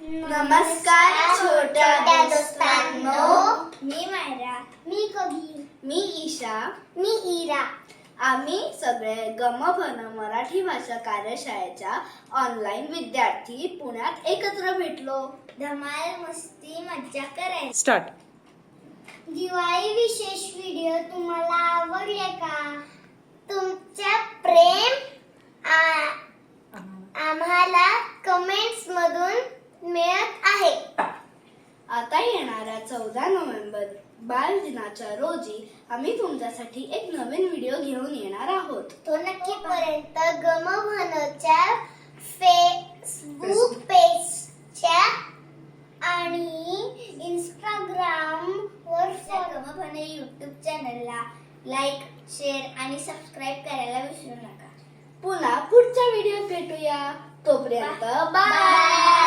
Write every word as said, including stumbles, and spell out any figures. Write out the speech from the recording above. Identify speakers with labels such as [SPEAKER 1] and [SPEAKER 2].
[SPEAKER 1] नमस्कार छोट्या दोस्तांनो.
[SPEAKER 2] मी मायरा, मी कबीर,
[SPEAKER 1] मी ईशा,
[SPEAKER 2] मी इरा.
[SPEAKER 1] आम्ही सगळे गमभन मराठी भाषा कार्यशाळेच्या ऑनलाईन विद्यार्थी पुण्यात एकत्र भेटलो.
[SPEAKER 2] धमाल मस्ती मज्जा करायची.
[SPEAKER 3] स्टार्ट.
[SPEAKER 2] दिवाळी विशेष व्हिडिओ तुम्हाला आवडले का? तुमच्या प्रेम आ- आम्हाला कमेंट्स मधून मिळत आहे.
[SPEAKER 1] आता येणाऱ्या चौदा नोव्हेंबर बाल दिनाच्या रोजी आम्ही तुमच्यासाठी एक नवीन व्हिडिओ घेऊन येणार आहोत.
[SPEAKER 2] तो नक्कीपर्यंत गमभनच्या फेसबुक पेजच्या आणि इंस्टाग्राम वर गमभन युट्यूब चॅनलला लाईक, शेअर आणि सबस्क्राईब करायला विसरू नका.
[SPEAKER 1] पुन्हा पुढच्या व्हिडिओत भेटूया. तोपर्यंत बाय.